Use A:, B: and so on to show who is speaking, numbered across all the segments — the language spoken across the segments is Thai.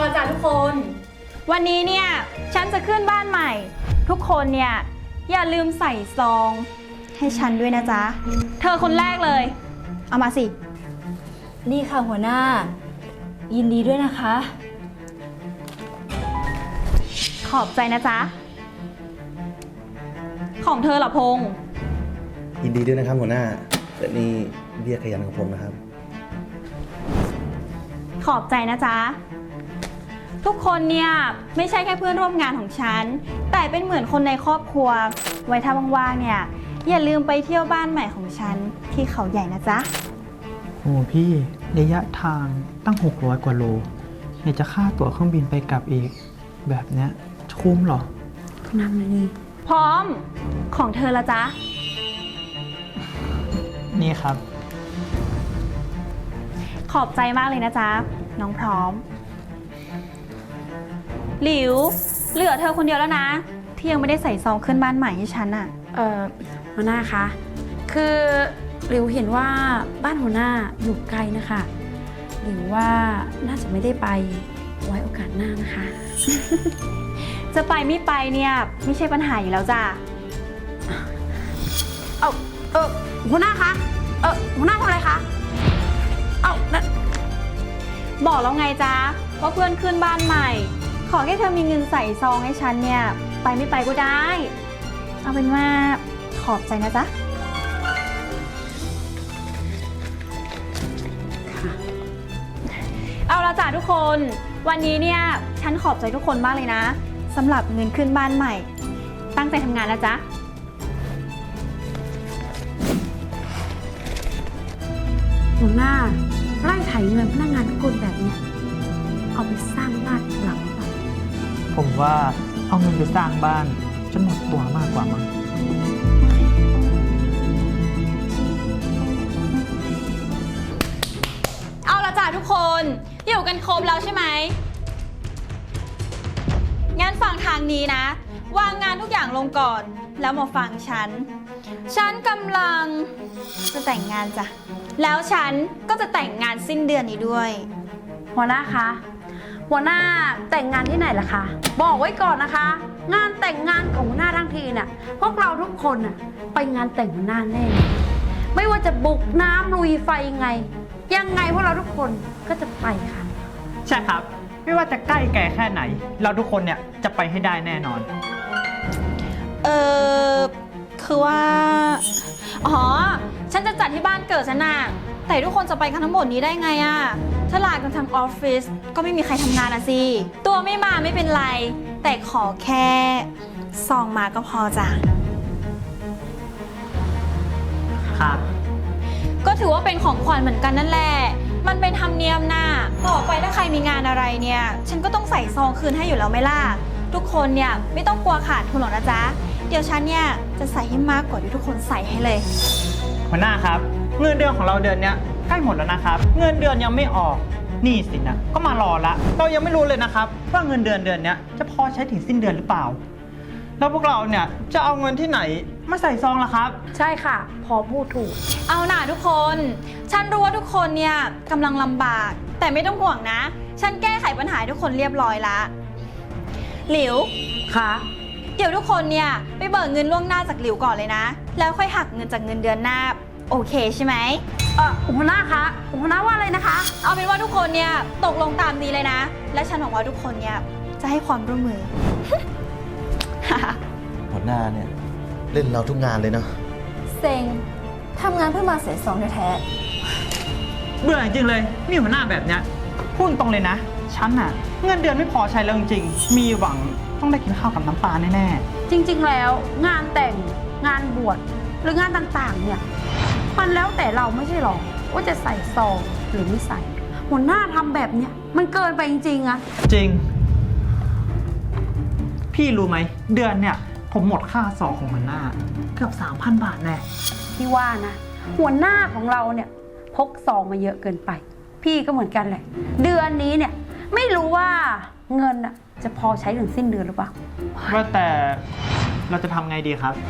A: ละจ้ะทุกคน วันนี้เนี่ยฉันจะขึ้นบ้านใหม่ ทุกคนเนี่ยอย่าลืมใส่ซองให้ฉันด้วยนะจ๊ะ เธอคนแรกเลย เอามาสิ
B: นี่ค่ะหัวหน้า ยินดีด้วยนะคะ
A: ขอบใจนะจ๊ะ ของเธอเหรอพงษ์
C: ยินดีด้วยนะครับหัวหน้าแต่นี่เบี้ยขยันของผมนะครับ
A: ขอบใจนะจ๊ะ ทุกคนเนี่ยไม่ใช่แค่เพื่อนร่วมงานของฉัน แต่เป็นเหมือนคนในครอบครัว ไว้ถ้าว่างๆเนี่ยอย่าลืมไปเที่ยวบ้านใหม่ของฉันที่เขาใหญ่นะจ๊ะ
D: โอ้พี่ระยะทางตั้ง600 กว่าโลอยากจะค่าตั๋วเครื่องบินไปกลับอีก แบบเนี้ยคุ้มเหรอ
B: นำเลยนี่
A: พร้อมของเธอละจ๊ะ
D: นี่ครับ
A: ขอบใจมากเลยนะจ๊ะ น้องพร้อม หลิวเหลือเธอคนเดียวแล้วนะ ที่ยังไม่ได้ใส่ซองขึ้นบ้านใหม่ให้ฉันอะ
B: หัวหน้าคะ คือหลิวเห็นว่าบ้านหัวหน้าอยู่ไกลนะคะหลิวว่าน่าจะไม่ได้ไปไว้โอกาสหน้านะคะ
A: จะไปไม่ไปเนี่ยไม่ใช่ปัญหาอยู่แล้วจ้ะ
B: หัวหน้าคะ หัวหน้าทำอะไรคะ นั่น
A: บอกแล้วไงจ๊ะว่าเพื่อนขึ้นบ้านใหม่ ขอแค่เธอมีเงินใส่ซองให้ฉันเนี่ยไปไม่ไปก็ได้ เอาเป็นว่าขอบใจนะจ๊ะ เอาละจ้ะทุกคนวันนี้เนี่ยฉันขอบใจทุกคนมากเลยนะสำหรับเงินขึ้นบ้านใหม่ ตั้งใจทำงานนะจ๊ะ
B: หัวหน้าไล่ไถเงินพนักงานทุกคนแบบเนี้ยเอาไปสร้างบ้านหลังเปล่า
D: ผมว่าเอาเงินไปสร้างบ้านจะหมดตัวมากกว่ามั้ง
A: เอาละจ้ะทุกคนอยู่กันครบแล้วใช่ไหมงั้นฟังทางนี้นะ วางงานทุกอย่างลงก่อน แล้วมาฟังฉัน ฉันกำลังจะแต่งงานจ้ะแล้วฉันก็จะแต่งงานสิ้นเดือนนี้ด้วย
B: หัวหน้าคะ หัวหน้าแต่งงานที่ไหนล่ะคะ บอกไว้ก่อนนะคะ งานแต่งงานของหัวหน้าทั้งทีน่ะพวกเราทุกคนน่ะไปงานแต่งหัวหน้าแน่ ไม่ว่าจะบุกน้ำลุยไฟยังไงพวกเราทุกคนก็จะไปค่ะ
D: ใช่ครับ ไม่ว่าจะใกล้แก่แค่ไหน เราทุกคนเนี่ยจะไปให้ได้แน่นอน
A: คือว่าอ๋อฉันจะจัดที่บ้านเกิดฉันน่ะแต่ทุกคนจะไปกันทั้งหมดนี้ได้ไงอะถ้าลากันทั้งออฟฟิศก็ไม่มีใครทำงานอะสิตัวไม่มาไม่เป็นไร แต่ขอแค่ซองมาก็พอจ้ะ
D: ครับ
A: ก็ถือว่าเป็นของขวัญเหมือนกันนั่นแหละมันเป็นธรรมเนียมน่ะต่อไปถ้าใครมีงานอะไรเนี่ยฉันก็ต้องใส่ซองคืนให้อยู่แล้วไหมล่ะทุกคนเนี่ยไม่ต้องกลัวขาดทุนหรอกนะจ๊ะเดี๋ยวฉันเนี่ยจะใส่ให้มากกว่าที่ทุกคนใส่ให้เลย
D: หัวหน้าครับเงินเดือนของเราเดือนเนี้ยใกล้หมดแล้วนะครับ เงินเดือนยังไม่ออกหนี้สินนะก็มารอละเรายังไม่รู้เลยนะครับว่าเงินเดือนเนี้ยจะพอใช้ถึงสิ้นเดือนหรือเปล่า แล้วพวกเราเนี่ยจะเอาเงินที่ไหนมาใส่ซองล่ะครับ
B: ใช่ค่ะ พอพูดถูก
A: เอาหน่าทุกคนฉันรู้ว่าทุกคนเนี่ยกำลังลำบากแต่ไม่ต้องห่วงนะฉันแก้ไขปัญหาให้ทุกคนเรียบร้อยละหลิว
B: ค่ะ
A: เดี๋ยวทุกคนเนี่ยไปเบิกเงินล่วงหน้าจากหลิวก่อนเลยนะแล้วค่อยหักเงินจากเงินเดือนหน้าโอเคใช่ไหม
B: หัวหน้าคะหัวหน้าว่าอะไรนะคะ
A: เอาเป็นว่าทุกคนเนี่ยตกลงตามนี้เลยนะ และฉันหวังว่าทุกคนเนี่ยจะให้ความร่วมมือ
C: หัวหน้าเนี่ยเล่นเราทุกงานเลยเนาะ
E: เซ็งทำงานเพื่อมาเสียซองแท้
D: เบื่อจริงๆเลยมีหัวหน้าแบบเนี้ยพูดตรงเลยนะฉันน่ะเงินเดือนไม่พอใช้แล้วจริงๆมีหวังต้องได้กินข้าวกับน้ำปลาแน่ๆ
B: จริงๆแล้วงานแต่งงานบวชหรืองานต่างๆเนี่ยมันแล้วแต่เราไม่ใช่หรอว่าจะใส่ซองหรือไม่ใส่ หัวหน้าทำแบบเนี้ยมันเกินไปจริงๆอะ
D: จริง พี่รู้ไหมเดือนเนี่ยผมหมดค่าซองของหัวหน้าเกือบ 3,000 บาทแน่
B: พี่ว่านะหัวหน้าของเราเนี่ยพกซองมาเยอะเกินไป พี่ก็เหมือนกันแหละ เดือนนี้เนี่ยไม่รู้ว่าเงินอะจะพอใช้ถึงสิ้นเดือนหรือเปล่า
D: ว่าแต่เราจะทำไงดีครับ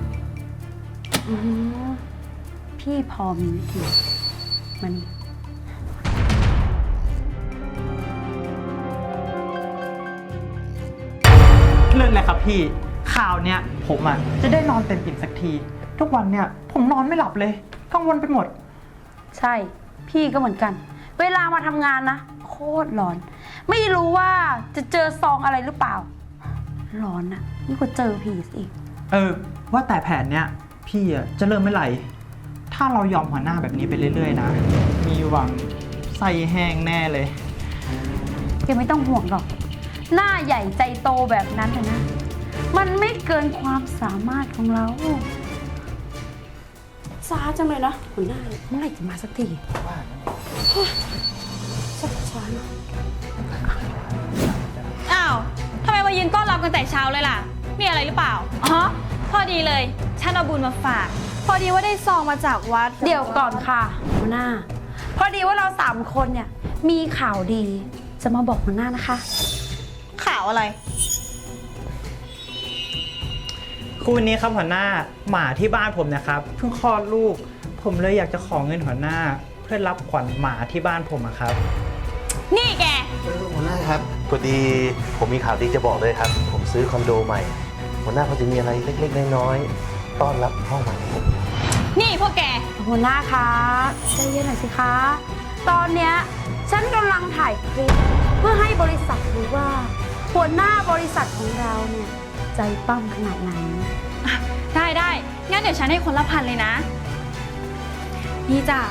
B: พี่พอมีวิธีมัน
D: เลยครับพี่ ข่าวเนี้ยผมอ่ะจะได้นอนเต็มอิ่มสักที ทุกวันเนี่ยผมนอนไม่หลับเลยกังวลไปหมด
B: ใช่ พี่ก็เหมือนกัน เวลามาทำงานนะ โคตรร้อน ไม่รู้ว่าจะเจอซองอะไรหรือเปล่า ร้อนอะนี่ก็เจอผีอีก
D: ว่าแต่แผนเนี้ยพี่อ่ะจะเริ่มเมื่อไหร่ ถ้าเรายอมหัวหน้าแบบนี้ไปเรื่อยๆนะ มีหวังไส้แห้งแน่เลย
B: แกไม่ต้องห่วงหรอก หน้าใหญ่ใจโตแบบนั้นนะ มันไม่เกินความสามารถของเราช้าจังเลยนะหัวหน้าเมื่อไหร่จะมาสักทีสักช้าหน่อย
A: อ้าวทำไมมายืนต้อนรับกันแต่เช้าเลยล่ะ มีอะไรหรือเปล่า อ๋อ พอดีเลย ฉันเอาบุญมาฝาก พอดีว่าได้ซองมาจากวัด
B: เดี๋ยวก่อนค่ะหัวหน้า พอดีว่าเรา3 คนเนี่ยมีข่าวดีจะมาบอกหัวหน้านะคะ
A: ข่าวอะไร
D: คืนนี้ครับหัวหน้าหมาที่บ้านผมนะครับเพิ่งคลอดลูก ผมเลยอยากจะขอเงินหัวหน้า เพื่อรับขวัญหมาที่บ้านผมอะครับ
A: นี่แก
C: หัวหน้าครับพอดีผมมีข่าวดีจะบอกเลยครับ ผมซื้อคอนโดใหม่ หัวหน้าเขาจะมีอะไรเล็กๆน้อยๆต้อนรับห้องใหม่ของผม
A: นี่พวกแก
B: หัวหน้าคะใจเย็นหน่อยสิคะ ตอนเนี้ยฉันกำลังถ่ายคลิปเพื่อให้บริษัทรู้ว่า หัวหน้าบริษัทของเราเนี่ยใจปั้มขนาดไหน
A: ได้ งั้นเดี๋ยวฉันให้คนละ1,000เลยนะ นี่จ้ะ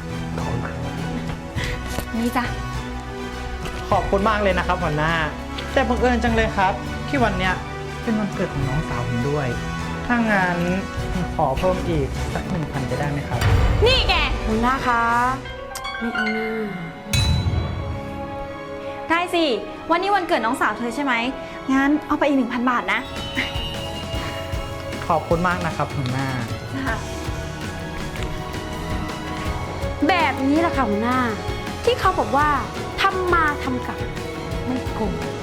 A: นี่จ้ะ
D: ขอบคุณมากเลยนะครับหัวหน้า แต่บังเอิญจังเลยครับ ที่วันเนี้ยเป็นวันเกิดของน้องสาวผมด้วย ถ้างั้นผมขอเพิ่มอีกสัก 1,000 จะได้ไหมครับ
A: นี่แก
B: หัวหน้าคะไม่เอาหน้า
A: ได้สิ วันนี้วันเกิดน้องสาวเธอใช่ไหม งั้นเอาไปอีก 1,000 บาทนะ
D: ขอบคุณมากนะครับหัวหน้า
B: แบบนี้แหละค่ะหัวหน้า ที่เขาบอกว่าทำมาทำกลับไม่โกง